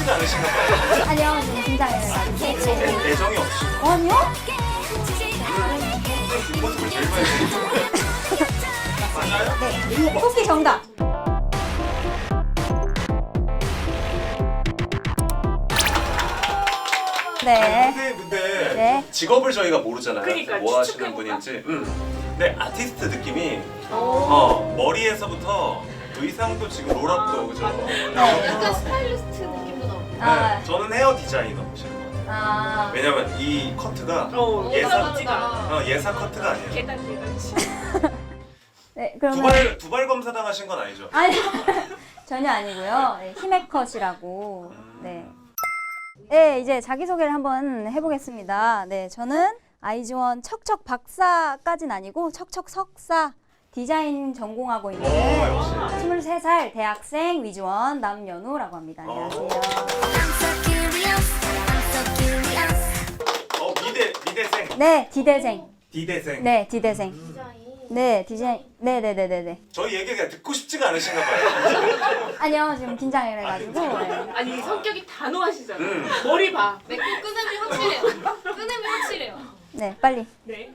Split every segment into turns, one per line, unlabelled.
싶지가 않으신가 봐요.
아니요, 좀 긴장해가지고.
애정이 없으시고.
아니요?
뒷모습을 제일 많이 보여주세요. 맞아요?
네, 토끼 정답. 네.
근데
네.
직업을 저희가 모르잖아요.
그러니까,
뭐 하시는
추측해볼까?
분인지. 근데 아티스트 느낌이
오.
머리에서부터 의상도 지금 롤업도 그죠?
약간 스타일리스트 느낌도 나고.
아,
네, 저는 헤어 디자이너시는 것 같아요.
아,
왜냐면 이 커트가
예사
예사 커트가 아니에요.
계단지.
네, 그러면.
두발 검사 당하신 건 아니죠?
아니, 전혀 아니고요. 네, 히메컷이라고. 네. 네, 이제 자기소개를 한번 해보겠습니다. 네, 저는 아이즈원 척척 박사까진 아니고 척척 석사 디자인 전공하고 있는
역시.
23살 대학생 위즈원 남연우라고 합니다. 안녕하세요.
미대생.
네, 디대생.
디대생.
네, 디대생.
디자인.
네, 디자인. 네네네네네.
저희 얘기가 듣고 싶지가 않으신가 봐요.
아니요, 지금 긴장해가지고. 네.
아니 성격이 단호하시잖아.
음.
머리 봐.
네, 끄냄이 확실해요. 끄냄이 확실해요.
네, 빨리.
네.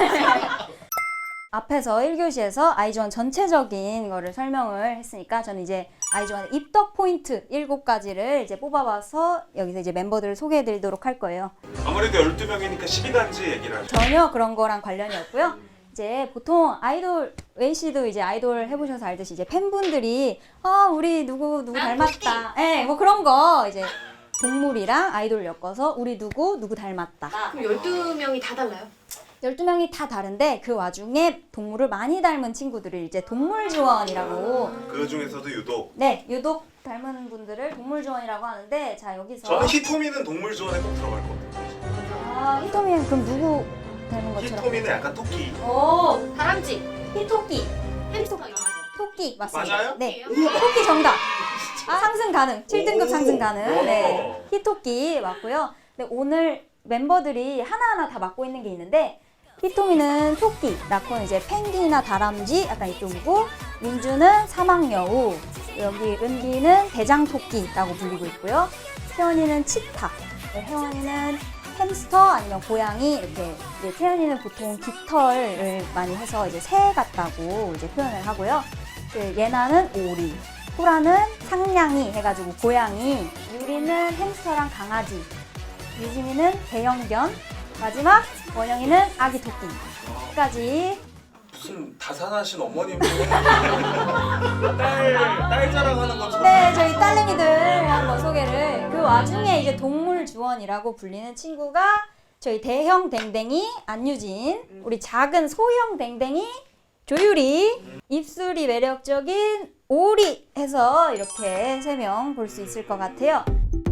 앞에서 1교시에서 아이즈원 전체적인 거를 설명을 했으니까 저는 이제 아이즈원의 입덕 포인트 7가지를 이제 뽑아봐서 여기서 이제 멤버들을 소개해 드리도록 할 거예요.
아무래도 12명이니까 12가지 얘기를 하죠.
전혀 그런 거랑 관련이 없고요. 이제 보통 아이돌, 웨이 씨도 이제 아이돌 해보셔서 알듯이 이제 팬분들이 우리 누구 닮았다. 예, 뭐 그런 거 이제 동물이랑 아이돌 엮어서 우리 누구 닮았다.
그럼 12명이 다 달라요?
12명이 다 다른데 그 와중에 동물을 많이 닮은 친구들을 이제 동물지원이라고
그 중에서도 유독
네, 유독 닮은 분들을 동물지원이라고 하는데 자 여기서
저는 히토미는 동물지원에 꼭 들어갈 것 같아요.
히토미는 그럼 누구 닮은 것처럼?
히토미는 약간 토끼.
오,
다람쥐,
히토끼.
햄스터 이런 거.
토끼 맞습니다.
맞아요?
네, 토끼 정답. 상승 가능. 7등급
오.
상승 가능. 네,
오.
히토끼 맞고요. 네, 오늘 멤버들이 하나하나 다 맡고 있는 게 있는데 히토미는 토끼, 라코는 이제 펭귄이나 다람쥐 약간 이쪽이고 민주는 사막여우, 여기 은비는 대장토끼라고 불리고 있고요. 태연이는 치타, 네, 혜원이는 햄스터 아니면 고양이 이렇게 이제 태연이는 보통 깃털을 많이 해서 이제 새 같다고 이제 표현을 하고요. 그 예나는 오리, 소라는 상냥이 해가지고 고양이, 유리는 햄스터랑 강아지, 유진이는 대형견, 마지막 원영이는 아기 토끼까지.
무슨 다산하신 어머님 딸 자랑하는 것처럼.
네, 저희 딸내미들 한번 소개를. 그 와중에 이제 동물주원이라고 불리는 친구가 저희 대형 댕댕이 안유진, 우리 작은 소형 댕댕이 조유리, 입술이 매력적인 오리 해서 이렇게 3명 볼 수 있을 것 같아요.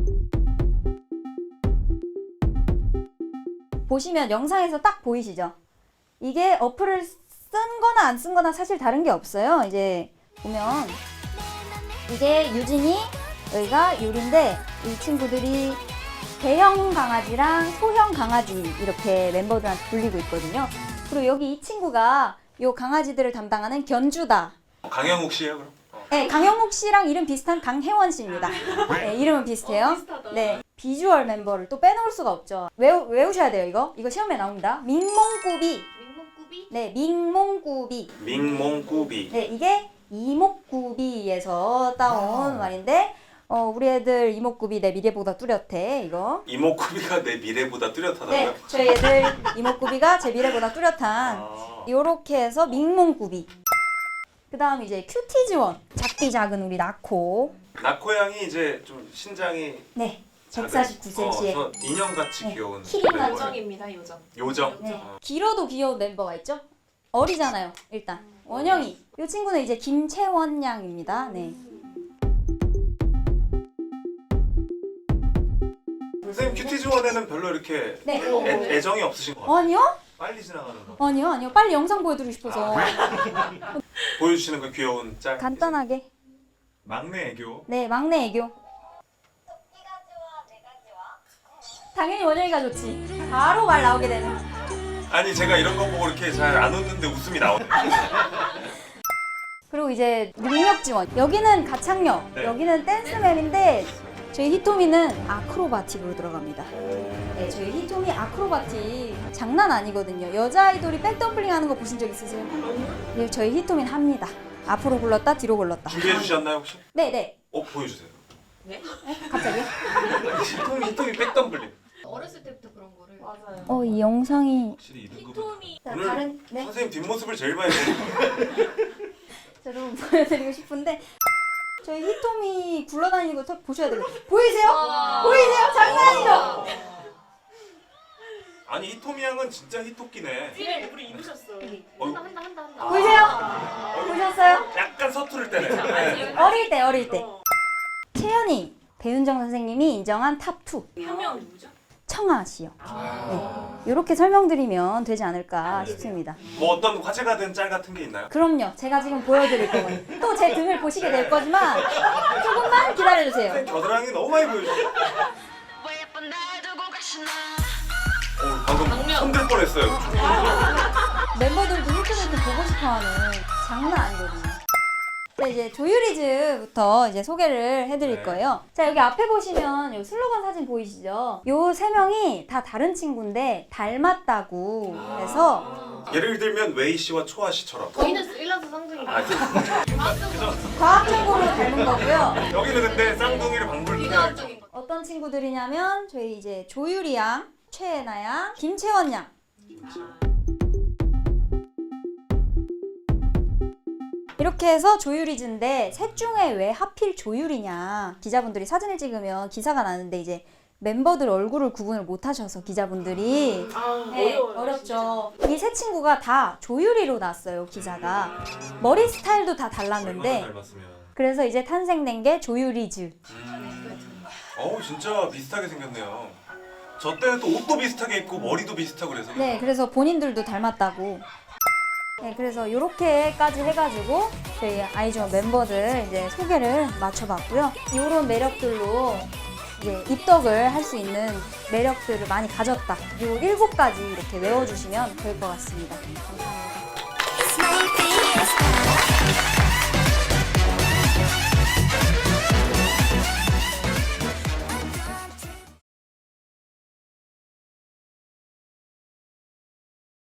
보시면 영상에서 딱 보이시죠? 이게 어플을 쓴 거나 안 쓴 거나 사실 다른 게 없어요. 이제 보면 이게 유진이, 여기가 유리인데 이 친구들이 대형 강아지랑 소형 강아지 이렇게 멤버들한테 불리고 있거든요. 그리고 여기 이 친구가 요 강아지들을 담당하는 견주다.
강영욱 씨예요 그럼?
네, 강영욱 씨랑 이름 비슷한 강혜원 씨입니다. 네, 이름은 비슷해요.
비슷하다.
네, 비주얼 멤버를 또 빼놓을 수가 없죠. 외우셔야 돼요, 이거. 이거 시험에 나옵니다. 민몽꾸비.
민목구비?
네, 민몽꾸비.
민몽꾸비.
네, 이게 이목구비에서 따온 말인데, 우리 애들 이목구비 내 미래보다 뚜렷해, 이거.
이목구비가 내 미래보다 뚜렷하다고요?
네, 저희 애들 이목구비가 제 미래보다 뚜렷한, 요렇게 해서 민몽구비. 그 다음 이제 큐티즈원. 작디 작은 우리 나코.
나코양이 이제 좀 신장이
네, 149cm에.
인형같이
네.
귀여운
키링
멤버예요.
요정입니다 요정.
요정.
네. 길어도 귀여운 멤버가 있죠? 어리잖아요, 일단. 원영이. 이 친구는 이제 김채원 양입니다. 네.
선생님 큐티즈원에는 별로 이렇게
네.
애정이 없으신 것 같아요.
아니요?
빨리 지나가는 거.
아니요. 빨리 영상 보여드리고 싶어서.
보여주시는 그 귀여운 짤.
간단하게.
막내 애교.
네, 막내 애교. 당연히 원영이가 좋지. 바로 말 나오게 되는.
아니 제가 이런 거 보고 이렇게 잘 안 웃는데 웃음이 나오네.
그리고 이제 능력 지원. 여기는 가창력,
네.
여기는 댄스맨인데 저희 히토미는 아크로바틱으로 들어갑니다. 네, 저희 히토미 아크로바틱 장난 아니거든요. 여자 아이돌이 백덤블링 하는 거 보신 적 있으세요? 네, 저희 히토미는 합니다. 앞으로 굴렀다 뒤로 굴렀다.
준비해 주셨나요 혹시?
네네.
보여주세요.
갑자기요?
히토미 백덤블링.
어렸을 때부터 그런 거를.
맞아요.
이 영상이
확실히 이등급은
히토미
자,
오늘
다른 네.
선생님 뒷모습을 제일 많이 보는
자, 여러분 보여드리고 싶은데 저희 히토미 굴러다니는 거 딱 보셔야 돼요. 보이세요? 보이세요? 장난 아니죠?
아니 히토미 양은 진짜 히토끼네.
띠를 우리 입으셨어.
한다.
보이세요? 보셨어요?
약간 서투를 때네. 네.
어릴 때. 채연이 배윤정 선생님이 인정한 탑2
한명 누구죠?
청아 씨요. 네. 이렇게 설명드리면 되지 않을까 싶습니다.
뭐 어떤 화제가 된 짤 같은 게 있나요?
그럼요. 제가 지금 보여드릴 거거든요. 또 제 등을 보시게 될 거지만 조금만 기다려주세요.
선생님 겨드랑이 너무 많이 보여주셨어요. 방금
방면.
손들 뻔했어요.
멤버들도 유튜브에서 보고 싶어하는 장난 아니거든요. 자, 이제 조유리즈부터 이제 소개를 해드릴
네.
거예요. 자, 여기 앞에 보시면 요 슬로건 사진 보이시죠? 요 세 명이 다 다른 친구인데 닮았다고 해서
예를 들면 웨이 씨와 초아 씨처럼.
저희는 일라스 쌍둥이.
과학적으로 닮은 거고요.
여기는 근데 쌍둥이를 방불케
비과학적인 거.
어떤 친구들이냐면 저희 이제 조유리 양, 최애나 양, 김채원 양. 이렇게 해서 조유리즈인데 셋 중에 왜 하필 조유리냐. 기자분들이 사진을 찍으면 기사가 나는데 이제 멤버들 얼굴을 구분을 못 하셔서 기자분들이 네, 어렵죠. 이 세 친구가 다 조유리로 났어요, 기사가. 머리 스타일도 다 달랐는데
닮았으면.
그래서 이제 탄생된 게 조유리즈.
진짜 비슷하게 생겼네요. 저 때는 또 옷도 비슷하게 입고 머리도 비슷하고 그래서.
네, 그래서 본인들도 닮았다고. 네, 그래서 이렇게까지 해가지고 저희 아이즈원 멤버들 이제 소개를 맞춰봤고요. 이런 매력들로 이제 입덕을 할 수 있는 매력들을 많이 가졌다. 이 7가지 이렇게 외워주시면 될 것 같습니다. 감사합니다.